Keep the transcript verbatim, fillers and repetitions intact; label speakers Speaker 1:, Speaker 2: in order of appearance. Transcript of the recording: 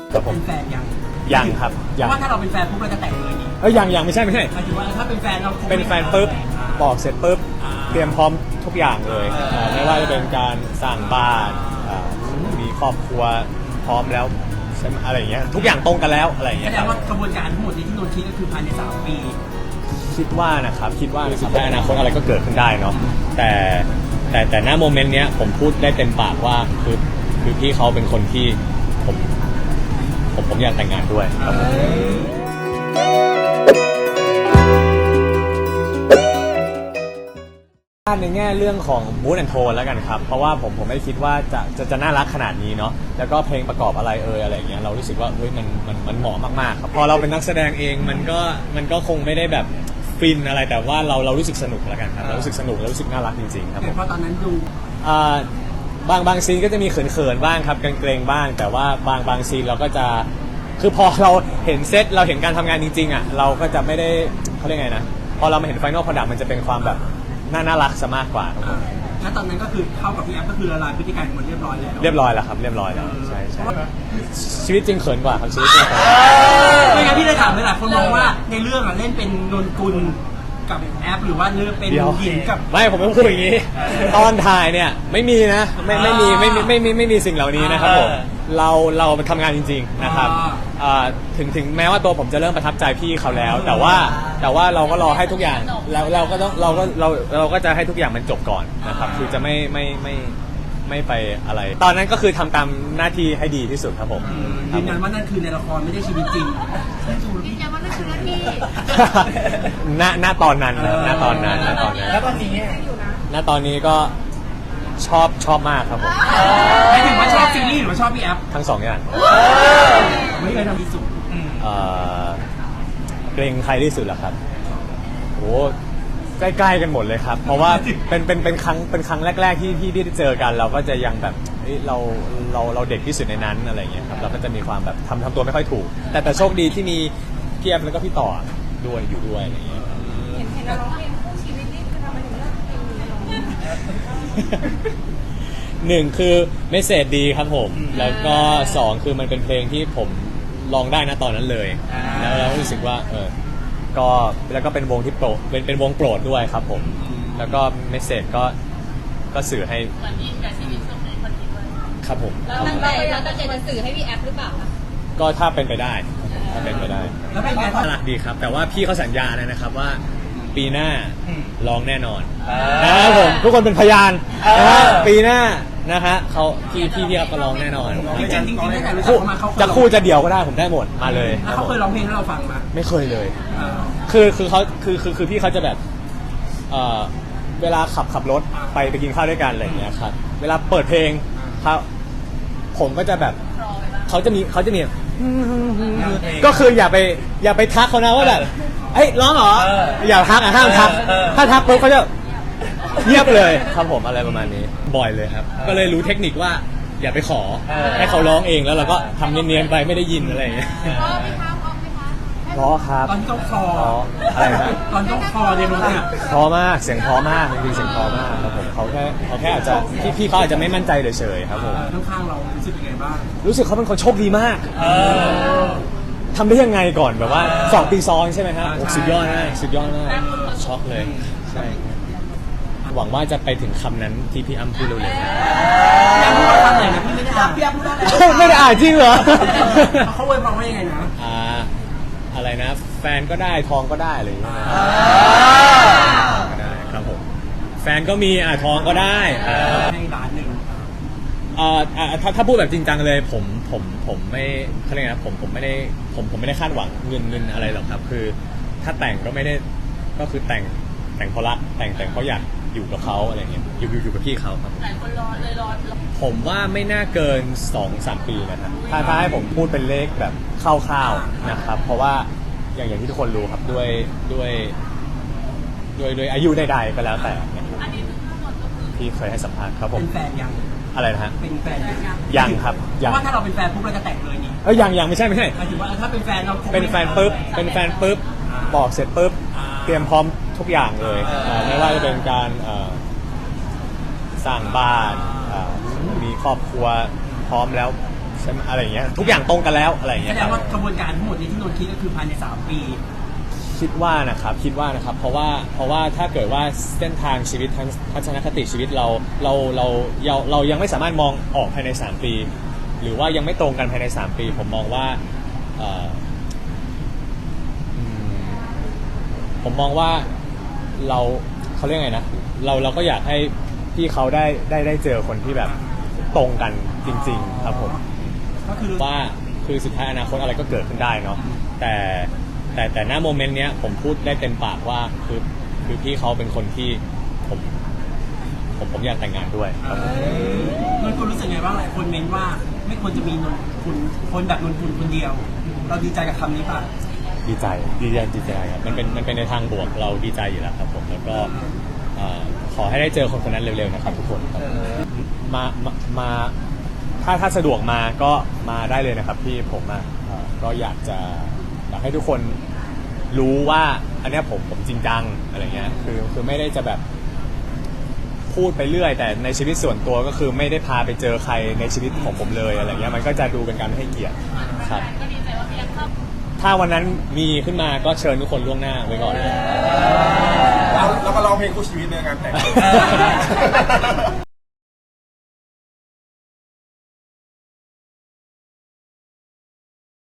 Speaker 1: ครับผม
Speaker 2: เป็นแฟนยัง
Speaker 1: ยังครับ
Speaker 2: เพ
Speaker 1: ยัง
Speaker 2: ราะว่าถ้าเราเป็นแฟนปุ๊บเราจะแต่งเลยนี่
Speaker 1: เอ้ยยังยังไม่ใช่ไม่ใช่
Speaker 2: หมายถึงว่าถ้าเป็นแฟนเราคง
Speaker 1: เป็นแฟนปุ๊บบอกเสร็จปุ๊บเตรียมพร้อมทุกอย่างเลยอ่าไม่ว่าจะเป็นการสร้างบ้านอ่ามีครอบครัวพร้อมแล้วใช่ไหมอะไรอย่างเงี้ยทุกอย่างตรงกันแล้วอะไรอย่าง
Speaker 2: แส
Speaker 1: เงี้ย
Speaker 2: ด
Speaker 1: ครั
Speaker 2: ง
Speaker 1: บ
Speaker 2: ว่ากระบวนการทั้งหมดนี้ที่นนท์คิดก็คือภายในสามปี
Speaker 1: คิดว่านะครับคิดว่านะครับในอนาคตอะไรก็เกิดขึ้นได้เนาะแต่แต่แต่หน้าโมเมนต์เนี้ยผมพูดได้เต็มปากว่าคือคือพี่เขาเป็นคนที่ผมผมผมอยากแต่งงานด้วยครับผมในแง่เรื่องของมูดแอนโทนแล้วกันครับเพราะว่าผมผมไม่คิดว่าจะจะจะน่ารักขนาดนี้เนาะแล้วก็เพลงประกอบอะไรเอ่ยอะไรอย่างเงี้ยเรารู้สึกว่าเฮ้ยมันมันมันเหมาะมากๆครับพอเราเป็นนักแสดงเองมันก็มันก็คงไม่ได้แบบฟินอะไรแต่ว่าเราเรารู้สึกสนุกแล้วกันครับเรารู้สึกสนุกแล้วรู้สึกน่ารักจริงๆครับผ
Speaker 2: แต่
Speaker 1: ม
Speaker 2: พอตอนนั้นดู
Speaker 1: อ่าบางบางซีนก็จะมีเขินๆบ้างครับเกรงๆบ้าง แต่ว่าบางบางซีนเราก็จะคือพอเราเห็นเซตเราเห็นการทำงานจริงๆอ่ะเราก็จะไม่ได้เขาเรียกไงนะพอเรามาเห็นไฟนอล product มันจะเป็นความแบบน่าน่ารักซะมากกว่าครับผม
Speaker 2: แล้วตอนนั้นก็คือเข้ากับพี่แอฟก็คือละลายพฤติกรรมหมดเรียบร้อยแล้ว
Speaker 1: เรียบร้อยแล้วครับเรียบร้อยแล้วใช่ใช่ชีวิตจริงเขินกว่าครับชีวิตจริงเขิน
Speaker 2: ไม่งั้นพี่เลยถามเลยหลายคนมองว่าในเรื่องอะเล่นเป็นนนกุลกับแอฟหรือว่าเลือกเป็น
Speaker 1: เดี๋ยว
Speaker 2: หญิงกับ
Speaker 1: ไม่ผมไม่พูดอย่างนี้ ตอนถ่ายเนี่ยไม่มีนะไม่ไม่มีไม่มีไม่มีไม่มีสิ่งเหล่านี้นะครับผมเราเราทำงานจริงๆนะครับอ่าถึงถึงแม้ว่าตัวผมจะเริ่มประทับใจพี่เขาแล้ว แต่ว่าแต่ว่าเราก็รอให้ทุกอย่างเราเราก็ต้องเราก็เราเราก็จะให้ทุกอย่างมันจบก่อนนะครับคือจะไม่ไม่ไม่ไม่ไปอะไร ตอนนั้นก็คือทำตามหน้าที่ให้ดีที่สุดครับผมครั
Speaker 2: ยื
Speaker 1: บ
Speaker 2: น
Speaker 1: ผ
Speaker 2: ยัน
Speaker 1: ม
Speaker 2: ว่านั่นคือในละครไม่ได้ชีวิตจริง
Speaker 3: ยืนยันว่านั่นคือหน้าที่
Speaker 1: ณณตอนนั้นนะณตอนนั้นณตอนนั้น
Speaker 2: แล้วตอนนี้
Speaker 1: ณตอนนี้ก็ชอบชอบมากครับผม
Speaker 2: หมายถึงว่าชอบซีรีส์หรือว่าชอบพี่แอฟ
Speaker 1: ทั้งสองอย่าง
Speaker 2: ไม่เคยทำที่สุด
Speaker 1: เอ่อเกรงใครที่สุดล่ะครับโอ้ใกล้ๆกันหมดเลยครับ เพราะว่าเป็นเป็นเป็นครั้งเป็นครั้งแรกๆที่ที่ที่ได้เจอกัน เราก็จะยังแบบเฮ้ยเราเราเราเด็กที่สุดในนั้นอะไรอย่างเงี้ยครับเราก็จะมีความแบบทำทำตัวไม่ค่อยถูก แต่แต่โชคดีที่มีพี่แอฟแล้วก็พี่ต่อด้วยอยู่ด้วยอะไรอย่างเงี้ยครับ
Speaker 3: เห็นเห็นเราร้องเพลงคู่ชีวิตนี่คือทำไมถึงเลือกเพลงนี้ร้อง
Speaker 1: หนึ่งคือเมสเสจดีครับผม แล้วก็สองคือมันเป็นเพลงที่ผมลองได้นะตอนนั้นเลย แล้วเรารู้สึกว่าเออก็แล้วก็เป็นวงที่โปรดเป็นเป็นวงโปรดด้วยครับผม แล้วก็เมสเสจก็ก็สื่อให้
Speaker 3: เหมือนอินกับชีวิตช่วงนี้คนนี้ด้วย
Speaker 1: ครับผม
Speaker 3: เราตั้งใจเราตั้งใจจะสื่อให้พี่แอฟหรือเปล่าคะ
Speaker 1: ก็ถ้าเป็นไปได้ถ้าเป็นไปได้
Speaker 2: แล้วเป็นไงบ้าง
Speaker 1: น่ารักดีครับ แต่ว่าพี่เขาสัญญาเลยนะครับว่าปีหน้าร้องแน่นอนนะครับผมทุกคนเป็นพยานนะฮะปีหน้านะฮะเขาพี่พี่พี่เขาก็ร้องแน่นอน
Speaker 2: จริงๆจริงๆตั้งแต่รู้จัก
Speaker 1: คู่
Speaker 2: เขามาเขาเคย
Speaker 1: จะคู่จะเดี่ยวก็ได้ผมได้หมดมาเลยค
Speaker 2: แล้
Speaker 1: รั
Speaker 2: ว
Speaker 1: บ
Speaker 2: เขา
Speaker 1: ผม
Speaker 2: เคยร้องเพลงให้เราฟังไหม
Speaker 1: ไม่เคยเลย
Speaker 2: อ่า
Speaker 1: คือคือเขาคือคือคือพี่เขาจะแบบเอ่อเวลาขับขับรถไปไปกินข้าวด้วยกันอะไรอย่างเงี้ยครับเวลาเปิดเพลงเขาผมก็จะแบบเขาจะมีเขาจะมีก็คืออย่าไปอย่าไปทักเขานะว่าแบบเอ้ยร้องเหรออย่าทักอ่ะห้ามทักถ้าทักปุ๊บเขาจะเงียบเลยครับผมอะไรประมาณนี้บ่อยเลยครับ ก็เลยรู้เทคนิคว่าอย่าไปขอให้เขาร้องเองแล้วเราก็ทำเนียนๆไปไม่ได้ยินอะไรอย่างเงี้ย
Speaker 3: ร้องไหมคะร้องไหมคะ
Speaker 1: เพราะครับ
Speaker 2: ตอนที่เขาคลอ
Speaker 1: เพราะอะไรนะ
Speaker 2: ตอนที่เขาคลอในรถเนี่ย
Speaker 1: เพราะมากเสียงเพราะมากจริงๆเสียงเพราะมากครับผมเขาแค่เขาแค่อาจจะพี่พี่เขาอาจจะไม่มั่นใจเฉยๆครับผม
Speaker 2: ข้างๆเรารู้สึกยังไงบ้าง
Speaker 1: รู้สึกเขาเป็นคนโชคดีมากทำได้ยังไงก่อนแบบว่าสองปีซ้อนใช่ไหมฮะโอ้สุดยอดมากสุดยอดมากช็อกเลยใช่หวังว่าจะไปถึงคำนั้นที่พี่อ้ำพูดเร็ว
Speaker 2: พี่แอฟพูดว่าคำไหนนะพี่ไม่ได้อ่านพี่แอฟพูดว่าอะไร
Speaker 1: ๆไม่ได้อ่านจริงเหรอ
Speaker 2: เขาอวยพรว่ายังไงนะ
Speaker 1: อ่าอะไรนะ แฟนก็ได้ทองก็ได้อะไรอย่างเงี้ยก็ได้ครับผมแฟนก็มีอ่ะทองก็ได้อ่า
Speaker 2: ให้ล้านหนึ่ง
Speaker 1: เอ่ออ่าถ้าถ้าพูดแบบจริงจังเลยผมผมผมไม่เขาเรียกไงนะผมผมไม่ได้ผมผมไม่ได้คาดหวังเงินเงินอะไรหรอกครับ คือถ้าแต่งก็ไม่ได้ก็คือแต่งแต่งเพราะรักแต่งแต่งเพราะอยากอยู่กับเขาอะไรเงี้ยอยู่อยู่อยู่กับพี่เขาครับ
Speaker 3: หลายคนรอเลยรอ
Speaker 1: ผมว่าไม่น่าเกิน สองสาม ปีนะครับถ้าถ้าให้ผมพูดเป็นเลขแบบคร่าวๆนะครับ เพราะว่าอย่างอย่างที่ทุกคนรู้ครับด้วยด้วยด้วยด้วยอายุใดๆก็แล้วแต่นะครับ
Speaker 3: อันนี้ทั้งหมดก็คือ
Speaker 1: ที่เคยให้สัมภาษณ์ครับผ
Speaker 2: เป็
Speaker 1: ม
Speaker 2: นแฟนยัง
Speaker 1: อะไรนะฮะ
Speaker 2: เป็นแฟนยัง
Speaker 1: ยังครับ
Speaker 2: เพ
Speaker 1: ยัง
Speaker 2: ราะว่าถ้าเราเป็นแฟนปุ๊บเราจะแต่งเลยนี่
Speaker 1: เอ้ยยังยังไม่ใช่ไม่ใช่
Speaker 2: หมายถึงว่าถ้าเป็นแฟนเราคง
Speaker 1: เป็นแฟนปุ๊บเป็นแฟนปุ๊บบอกเสร็จปุ๊บเตรียมพร้อมทุกอย่างเลยอ่าไม่ว่าจะเป็นการเอ่อสร้างบ้านอ่ามีครอบครัวพร้อมแล้วใใช่ไหมอะไรอย่างเงี้ยทุกอย่างตรงกันแล้วอะไรอย่าง
Speaker 2: แส
Speaker 1: เงี้ย
Speaker 2: ด
Speaker 1: ครั
Speaker 2: ง
Speaker 1: บ
Speaker 2: ว่ากระบวนการทั้งหมดนี้ที่นนท์คิดก็คือภายในสามปี
Speaker 1: คิดว่านะครับคิดว่านะครับเพราะว่าเพราะว่าถ้าเกิดว่าเส้นทางชีวิตทัทัศนคติชีวิตเราเราเราเราเรายังไม่สามารถมองออกภายในสามปี หรือว่ายังไม่ตรงกันภายในสามปี ผมมองว่าเอ่ออืมผมมองว่าเราเขาเรียกไงนะเราเราก็อยากให้พี่เขาได้ได้ได้เจอคนที่แบบตรงกันจริง ๆ ครับผม
Speaker 2: ก็คือ
Speaker 1: ว่าคือสุดท้ายอนาคตอะไรก็เกิดขึ้นได้เนาะแต่แต่แต่หน้าโมเมนต์เนี้ยผมพูดได้เต็มปากว่าคือคือพี่เขาเป็นคนที่ผมผมผมอยากแต่งงานด้วยครับผม
Speaker 2: นนท์คุณรู้สึกไงบ้างหลายคนเม้นว่าไม่ควรจะมีนนท์คุณคนแบบนนท์คุณคนเดียว เราดีใจกับคำนี้ป่ะ
Speaker 1: ดีใจดีใจดีใจครับมันเป็นมันเป็นในทางบวกเราดีใจอยู่แล้วครับผมแล้วก็เอ่อขอให้ได้เจอคนคนนั้นเร็วๆนะครับทุกคนครับมามามาถ้าถ้าสะดวกมาก็มาได้เลยนะครับพี่ผมอ่ะเอ่อก็อยากจะอยากให้ทุกคนรู้ว่าอันเนี้ยผมผมจริงจังอะไรเงี้ยคือคือไม่ได้จะแบบพูดไปเรื่อยแต่ในชีวิตส่วนตัวก็คือไม่ได้พาไปเจอใครในชีวิตของผมเลยอะไรเงี้ยมันก็จะดูเป็นการไม่ให้เกียรติครับถ้าวันนั้นมีขึ้นมาก็เชิญทุกคนล่วงหน้าไว้ก่อนเลย
Speaker 4: แล้วแล้วก็ร้องเพลงคู่ชีวิตในงานแต่ง